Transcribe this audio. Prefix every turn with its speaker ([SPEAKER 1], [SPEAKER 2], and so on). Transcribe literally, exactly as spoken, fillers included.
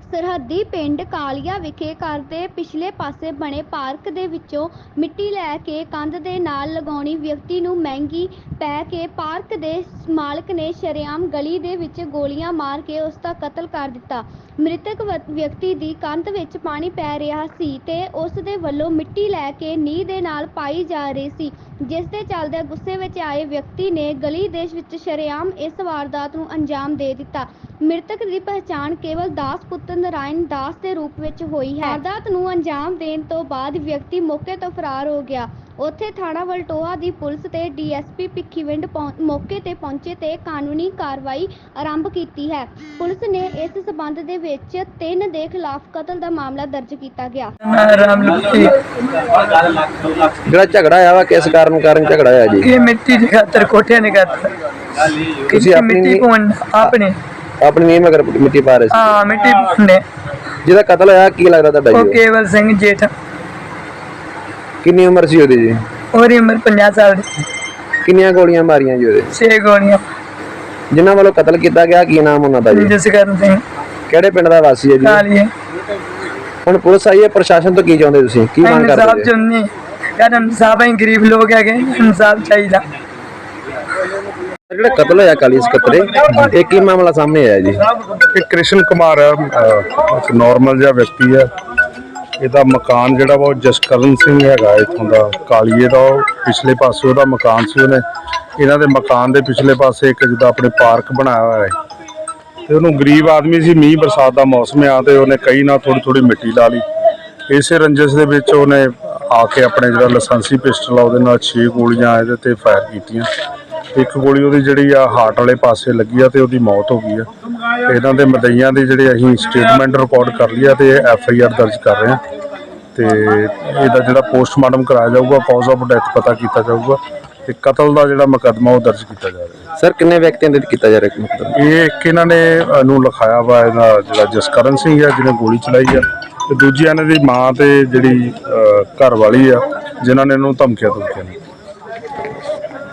[SPEAKER 1] सरहदी पिंड कालिया विखे घर दे पिछले पासे बने पार्क दे विचों मिट्टी लैके कंध दे नाल लगाउणी व्यक्ति नूं महंगी पै के पार्क दे मालक ने शरेआम गली दे विच गोलियां मार के उसका कतल कर दिता। मृतक व्यक्ति दी कंध विच पानी पै रिहा सी ते उस दे वल्लों मिट्टी लैके नींह दे नाल पाई जा रही सी, जिस दे चलदे गुस्से विच आए व्यक्ति ने गली दे विच शरेआम इस वारदात नूं अंजाम दे दिता। मृतक की पहचान केवल दास पुत्र नारायण दास के रूप में हुई है। वारदात नूं अंजाम देण तो बाद व्यक्ति मौके तो फरार हो गया। उत्थे थाणा वलटोहा की पुलिस ते डी एस पी भिखीविंड मौके ते पहुंचे ते कानूनी कार्रवाई आरंभ की है। पुलिस ने इस संबंध दे विच तीन दे खिलाफ कतल का मामला दर्ज किया गया।
[SPEAKER 2] ਜਿਹੜਾ ਝਗੜਾ ਆਇਆ ਵਾ ਕਿਸ ਕਾਰਨ ਕਾਰਨ ਝਗੜਾ ਆਇਆ ਜੀ?
[SPEAKER 3] ਇਹ ਮਿੱਟੀ ਦੀ ਖਾਤਰ ਕੋਠਿਆਂ ਨੇ ਖਾਤਰ
[SPEAKER 2] ਤੁਸੀਂ ਆਪਣੀ
[SPEAKER 3] ਮਿੱਟੀ ਪਾਉਣ ਆਪਣੇ
[SPEAKER 2] ਆਪਣੀ ਨੀਂਹ ਮਗਰ ਮਿੱਟੀ ਪਾ ਰਹੇ ਸੀ?
[SPEAKER 3] ਹਾਂ ਮਿੱਟੀ ਪਾਉਂਦੇ।
[SPEAKER 2] ਜਿਹਦਾ ਕਤਲ ਹੋਇਆ ਕੀ ਲੱਗਦਾ ਤੁਹਾਡਾ
[SPEAKER 3] ਉਹ
[SPEAKER 2] ਜੀ?
[SPEAKER 3] ਕੇਵਲ ਸਿੰਘ ਜੇਠ।
[SPEAKER 2] ਕਿੰਨੀ ਉਮਰ ਸੀ ਉਹਦੀ ਜੀ?
[SPEAKER 3] ਉਹਦੀ ਉਮਰ ਪੰਜਾਹ ਸਾਲ ਦੀ।
[SPEAKER 2] ਕਿੰਨੀਆਂ ਗੋਲੀਆਂ ਮਾਰੀਆਂ ਜੀ ਉਹਦੇ?
[SPEAKER 3] ਛੇ ਗੋਲੀਆਂ।
[SPEAKER 2] ਜਿਨ੍ਹਾਂ ਵੱਲੋਂ ਕਤਲ ਕੀਤਾ ਗਿਆ ਕੀ ਨਾਮ ਉਹਨਾਂ ਦਾ ਜੀ?
[SPEAKER 3] ਜਸਕਰਨ ਸਿੰਘ।
[SPEAKER 2] ਕਿਹੜੇ ਪਿੰਡ ਦਾ ਵਾਸੀ ਹੈ ਜੀ?
[SPEAKER 3] ਕਾਲੀਏ।
[SPEAKER 2] ਹੁਣ ਪੁਲਿਸ ਆਈ ਹੈ, ਪ੍ਰਸ਼ਾਸਨ ਤੋਂ ਕੀ ਚਾਹੁੰਦੇ ਤੁਸੀਂ? ਕੀ ਮੰਗ ਕਰਦੇ
[SPEAKER 3] ਇਨਸਾਫ ਚਾਹੁੰਦੇ ਯਾਰ, ਇਨਸਾਫ ਹੀ ਗਰੀਬ ਲੋਕ ਹੈਗੇ, ਇਨਸਾਫ ਚਾਹੀਦਾ।
[SPEAKER 2] ਜਿਹੜਾ ਕਤਲ ਹੋਇਆ ਕਾਲੀ ਸਕੱਤਰੇ, ਇਹ ਕੀ ਮਾਮਲਾ ਸਾਹਮਣੇ ਆਇਆ ਜੀ?
[SPEAKER 4] ਇਹ ਕ੍ਰਿਸ਼ਨ ਕੁਮਾਰ ਹੈ, ਇੱਕ ਨਾਰਮਲ ਜਿਹਾ ਵਿਅਕਤੀ ਹੈ। ਇਹਦਾ ਮਕਾਨ ਜਿਹੜਾ ਵਾ ਉਹ ਜਸਕਰਨ ਸਿੰਘ ਹੈਗਾ ਇੱਥੋਂ ਦਾ ਕਾਲੀਏ ਦਾ। ਉਹ ਪਿਛਲੇ ਪਾਸੇ ਉਹਦਾ ਮਕਾਨ ਸੀ, ਉਹਨੇ ਇਹਨਾਂ ਦੇ ਮਕਾਨ ਦੇ ਪਿਛਲੇ ਪਾਸੇ ਇੱਕ ਜਿੱਦਾਂ ਆਪਣੇ ਪਾਰਕ ਬਣਾਇਆ ਹੋਇਆ ਹੈ ਤੇ ਉਹਨੂੰ ਗਰੀਬ ਆਦਮੀ ਸੀ, ਮੀਂਹ ਬਰਸਾਤ ਦਾ ਮੌਸਮ ਆ ਤੇ ਉਹਨੇ ਕਈ ਨਾਲ ਥੋੜੀ ਥੋੜੀ ਮਿੱਟੀ ਲਾ ਲਈ। ਇਸੇ ਰੰਜਿਸ਼ ਦੇ ਵਿੱਚ ਉਹਨੇ ਆ ਕੇ ਆਪਣੇ ਜਿਹੜਾ ਲਾਇਸੈਂਸੀ ਪਿਸਟਲ ਆ ਉਹਦੇ ਨਾਲ ਛੇ ਗੋਲੀਆਂ ਇਹਦੇ ਤੇ ਫਾਇਰ ਕੀਤੀਆਂ। ਇੱਕ ਗੋਲੀ ਉਹਦੀ ਜਿਹੜੀ ਆ ਹਾਰਟ ਵਾਲੇ ਪਾਸੇ ਲੱਗੀ ਆ ਤੇ ਉਹਦੀ ਮੌਤ ਹੋ ਗਈ ਆ। ਇਹਨਾਂ ਦੇ ਮਦਈਆਂ ਦੀ ਜਿਹੜੇ ਅਸੀਂ ਸਟੇਟਮੈਂਟ ਰਿਕਾਰਡ ਕਰ ਲਈ ਆ ਤੇ ਐਫ ਆਈ ਆਰ ਦਰਜ ਕਰ ਰਹੇ ਆ ਤੇ ਇਹਦਾ ਜਿਹੜਾ ਪੋਸਟਮਾਰਟਮ ਕਰਾਇਆ ਜਾਊਗਾ, ਕਾਜ਼ ਆਫ ਡੈਥ ਪਤਾ ਕੀਤਾ ਜਾਊਗਾ ਤੇ ਕਤਲ ਦਾ ਜਿਹੜਾ ਮੁਕੱਦਮਾ ਉਹ ਦਰਜ ਕੀਤਾ ਜਾ ਰਿਹਾ।
[SPEAKER 2] ਸਰ ਕਿੰਨੇ ਵਿਅਕਤੀਆਂ ਦੇ ਕੀਤਾ ਜਾ ਰਿਹਾ ਮੁਕੱਦਮਾ?
[SPEAKER 4] ਇਹ ਇੱਕ ਇਹਨਾਂ ਨੇ ਨੂੰ ਲਿਖਾਇਆ ਵਾ, ਇਹਦਾ ਜਿਹੜਾ ਜਸਕਰਨ ਸਿੰਘ ਆ ਜਿਹਨੇ ਗੋਲੀ ਚਲਾਈ ਆ, ਤੇ ਦੂਜੀ ਇਹਨਾਂ ਦੀ ਮਾਂ ਤੇ ਜਿਹੜੀ ਘਰ ਵਾਲੀ ਆ ਜਿਨ੍ਹਾਂ ਨੇ ਇਹਨੂੰ ਧਮਕੀਆਂ ਧਮਕੀਆਂ